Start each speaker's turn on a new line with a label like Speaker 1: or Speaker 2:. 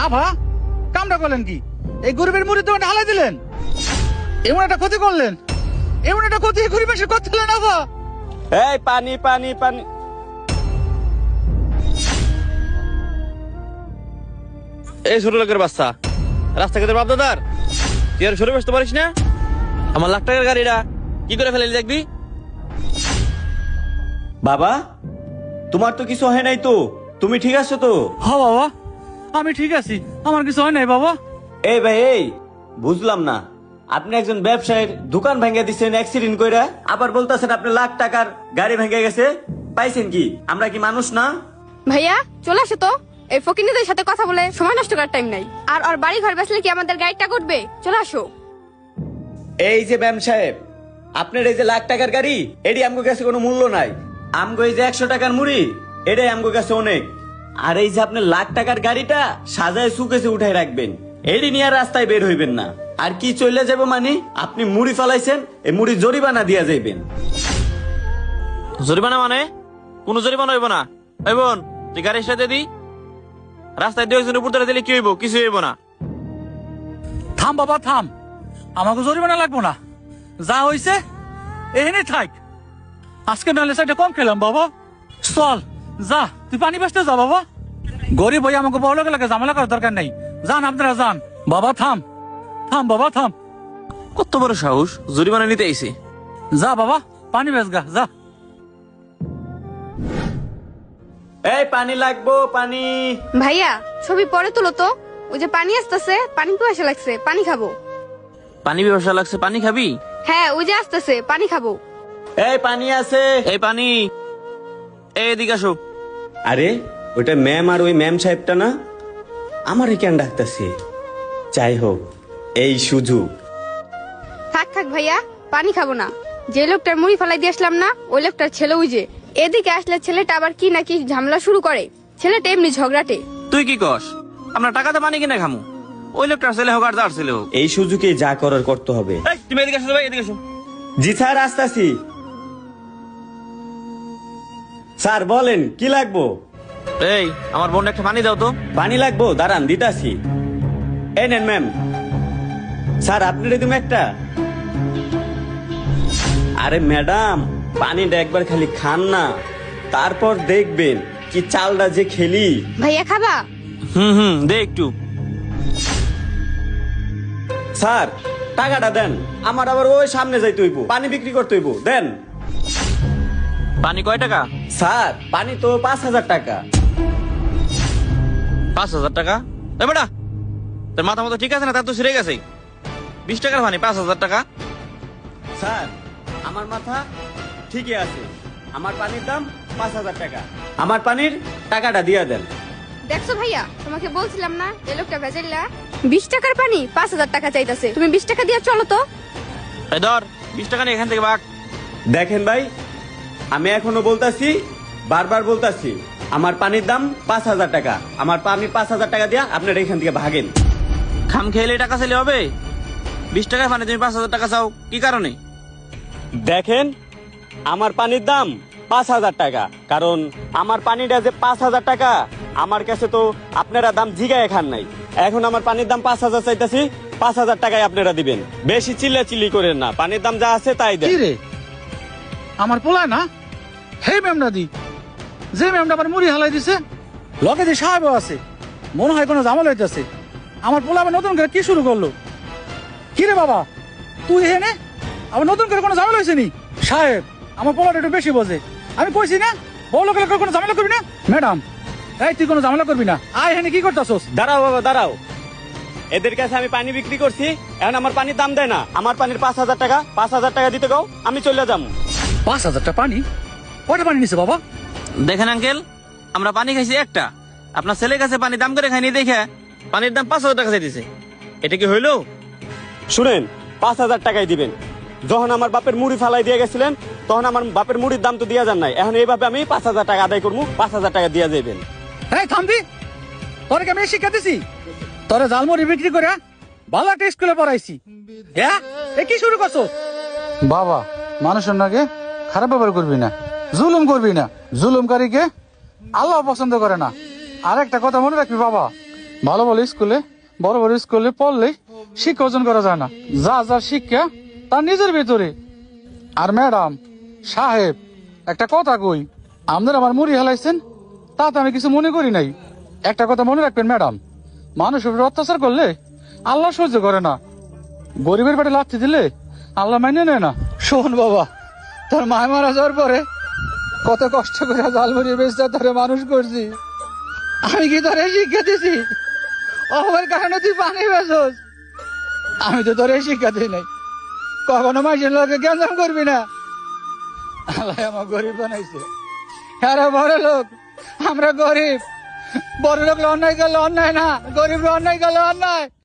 Speaker 1: আভা কামটা করলেন কি? এই গরিবের মুড়ি দোকানে হালাই দিলেন, এমন একটা ক্ষতি করলেন, এমন একটা ক্ষতি গরিব মানুষের করছিলেন আভা।
Speaker 2: এই পানি পানি পানি।
Speaker 3: এই ছোট লোকের বাচ্চা, রাস্তাঘাটের বাপদাদার তুই আর সরে বসতে পারিস না? আমার লাখ টাকার গাড়িটা কি করে ফেলে দেখবি?
Speaker 2: বাবা তোমার তো কিছু হয় নাই তো? তুমি ঠিক আছো তো?
Speaker 1: হ বাবা আমি ঠিক আছি, আমার কিছু হয় নাই বাবা।
Speaker 2: এই ভাই এই বুঝলাম না, আপনি একজন ব্যবসায়ীর দোকান ভেঙে দিচ্ছেন অ্যাক্সিডেন্ট কইরা, আবার বলতেছেন আপনি লাখ টাকার গাড়ি ভেঙে গেছে। পাইছেন কি? আমরা কি মানুষ না?
Speaker 4: ভাইয়া চলে আসো তো, এই ফকিনীদের সাথে কথা বলে সময় নষ্ট করার টাইম নাই। আর ওর বাড়ি ঘর বেচলে কি আমাদের গাড়িটা করবে? চলে আসো।
Speaker 2: এই যে ব্যাম সাহেব, আপনার এই যে লাখ টাকার গাড়ি, এটি আমগো কাছে কোনো মূল্য নাই। আমগো এই যে 100 টাকার মুড়ি, এটাই আমগো কাছে অনেক। আর এই যে আপনার লাখ টাকার গাড়িটা সাজায় সুকেছে উঠাই রাখবেন, এডি নিয়ে আর রাস্তায় বের হইবেন না। আর কি চলে যাব মানে, আপনি মুড়ি ফলাইছেন, এই মুড়ি জরিমানা দিয়া যাইবেন।
Speaker 3: জরিমানা মানে? কোন জরিমানা হইব না। এই বোন তুই গাড়ির সাথে দি, রাস্তায় 2 জনের উপর ধরে দিলে কি হইব? কিছু হইব না।
Speaker 1: থাম বাবা থাম, আমাকে জরিমানা লাগবো না, যা হইছে এখানে থাক। আজকে নাহলে সাইডে কম খেলাম বাবা। চল যা, তুই পানি বাসতে যা বাবা। গরিব ভাই আমাকে বড় লোকের লাগে ঝামেলা করার দরকার নেই, যান আপনারা যান। বাবা থাম থাম বাবা থাম।
Speaker 3: কত বড় সাহস, জরিমানা নিতে আইছে।
Speaker 1: যা বাবা পানি বেচ গা যা।
Speaker 2: এই পানি লাগবো, পানি।
Speaker 4: ভাইয়া ছবি পরে তুলো তো, ওই যে পানি আসতেছে, পানি পিপাসা লাগছে, পানি খাবো।
Speaker 3: পানি ব্যবসা লাগছে, পানি খাবি?
Speaker 4: হ্যাঁ ওই যে আসতেছে, পানি খাবো।
Speaker 2: এই পানি আছে?
Speaker 3: এই পানি, এদিকে আসো।
Speaker 2: আরে ওইটা ম্যাম, আর ওই ম্যাম সাহেবটা না আমারে কেন ডাকতেছে? যাই হোক, এই সুযোগ।
Speaker 4: থাক থাক ভাইয়া, পানি খাবো না। যে লোকটার মুড়ি ফেলাই দিয়ে আসলাম না, ওই লোকটার ছেলে ওই যে এদিকে আসলে ছেলেটা আবার কি নাকি ঝামেলা শুরু করে। ছেলেটা এমনি ঝগড়াটে।
Speaker 3: তুই কি কস? আমরা টাকাতে পানি কিনে খামু, ওই লোকটার ছেলে হোক আর যার ছেলে হোক।
Speaker 2: এই সুযোগে যা করার করতে হবে।
Speaker 3: এই তুমি এদিকে আসো ভাই, এদিকে আসো।
Speaker 2: জি স্যার, আসতেছি। স্যার বলেন কি লাগবো?
Speaker 3: এই আমার বোন একটা পানি দাও তো।
Speaker 2: পানি লাগবো, দাঁড়ান দিতাছি। এই নেন ম্যাম। স্যার আপনার তুমি একটা। আরে ম্যাডাম, পানিটা একবার খালি খান না, তারপর দেখবেন কি চালটা যে খেলি।
Speaker 4: ভাইয়া খাবা?
Speaker 3: দে একটু।
Speaker 2: স্যার টাকাটা দেন, আমার আবার ওই সামনে যাইতে হইব, পানি বিক্রি করতে হইব, দেন।
Speaker 3: পানি কয় টাকা?
Speaker 2: স্যার পানি তো 5,000 টাকা।
Speaker 3: 5,000 টাকা? এ বেটা, তোর মাথা মতো ঠিক আছে না? তার তো ছিঁড়ে গেছে। 20 টাকার পানি 5,000 টাকা?
Speaker 2: স্যার আমার মাথা ঠিকই আছে, আমার পানির দাম 5,000 টাকা। আমার পানির টাকাটা দিয়ে দেন।
Speaker 4: দেখছো ভাইয়া, তোমাকে বলছিলাম না এই লোকটা ভেজাইলা। 20 টাকার পানি 5,000 টাকা চাইতাছে। তুমি 20 টাকা দিয়ে চলো তো।
Speaker 3: এই ধর 20 টাকা নিয়ে এখান থেকে ভাগ।
Speaker 2: দেখেন ভাই, আমি এখনো বলতাছি, বারবার বলতাছি, আমার পানির দাম 5,000 টাকা। আমার পানি 5,000 টাকা দিয়া আপনারা এখান থেকে ভাগেন।
Speaker 3: খাম খেলে টাকা চাইলে হবে? 20 টাকার পানি তুমি 5,000 টাকা চাও কি কারণে?
Speaker 2: দেখেন, আমার পানির দাম 5,000 টাকা, কারণ আমার পানিটা যে 5,000 টাকা, আমার কাছে তো আপনারা দাম জিগায় খান নাই। এখন আমার পানির দাম 5,000 চাইতাছি, 5,000 টাকায় আপনারা দিবেন। বেশি চিল্লাচিল্লি করেন না, পানির দাম যা আছে তাই দেন।
Speaker 1: কি রে, আমার পোলা না? হে ম্যামটা দি, যে ম্যামটা আমার মুড়ি হালাই দিছে, লগে যে সাহেব আছে, মনে হয় কোনো ঝামেলা হইতেছে। আমার পোলা আবার নতুন করে কি শুরু করলো? কি রে বাবা, তুই হেনে আবার নতুন করে কোনো ঝামেলা হয়েছে নি? সাহেব আমার পোলাটা একটু বেশি বোঝে, আমি কইছি না বড় লোকের কোনো ঝামেলা করবি না। ম্যাডাম এই তুই কোনো ঝামেলা করবি না, আয় হেনে কি করতেছস?
Speaker 2: দাঁড়াও বাবা দাঁড়াও, এদের কাছে আমি পানি বিক্রি করছি, এখন আমার পানির দাম দেয় না। আমার পানির 5,000 টাকা, 5,000 টাকা দিতে গাও, আমি চলে যাবো।
Speaker 1: 5,000 টাকা পানি? কয়টা পানি নিছে বাবা?
Speaker 3: দেখেন আঙ্কেল, আমরা পানি খাইছি একটা, আপনার ছেলের কাছে পানি দাম করে খাইনি দেখে পানির দাম 5,000 টাকা চাইতেছে। এটা কি হইলো?
Speaker 2: শুনেন, 5,000 টাকাই দিবেন। যখন আমার বাপের মুড়ি ফালাই দিয়ে গেছিলেন, তখন আমার বাপের মুড়ির দাম তো দিয়া যান নাই। এখন এইভাবে আমি 5,000 টাকা আদায় করবো, 5,000 টাকা দিয়া যাবেন।
Speaker 1: এই থামবি, তোরে কি আমি শিক্ষা দিছি? তোরে জালমুড়ি বিক্রি করে ভালো একটা স্কুলে পড়াইছি, হ্যাঁ? এ কি শুরু করছো? বাবা মানুষের নাকি খারাপ ব্যবহার করবি না, জুলুম করবি না, জুলুমকারীকে আল্লাহ পছন্দ করে না। আর একটা কথা মনে রাখবি বাবা, ভালো ভালো স্কুলে বড় বড় স্কুলে পড়লে শিক্ষা অর্জন করা যায় না, যা যা শিক্ষা তার নিজের ভেতরে। আর ম্যাডাম সাহেব একটা কথা কই, আপনারা আমার মুড়ি হেলাইছেন তাতে আমি কিছু মনে করি নাই। একটা কথা মনে রাখবেন ম্যাডাম, মানুষের উপর অত্যাচার করলে আল্লাহ সহ্য করে না, গরিবের পেটে লাথি দিলে আল্লাহ মাইনে নেয় না। শোন বাবা, তোর মায় মারা যাওয়ার পরে কত কষ্ট করে জালমুড়ি বেচতে তোরে মানুষ করছি, আমি কি তোরে শিক্ষা দিছি? অভাবের কারণে তুই পানি বেচোস, আমি তো তোরে শিক্ষা দিই নাই। কখনো মাইসের লোকে জ্ঞান করবি না। আল্লাহ আমার গরিব বানাইছে, হ্যাঁ বড় লোক, আমরা গরিব। বড় লোক অন্যায় করলে অন্যায় না, গরিব অন্যায় করলে অন্যায়।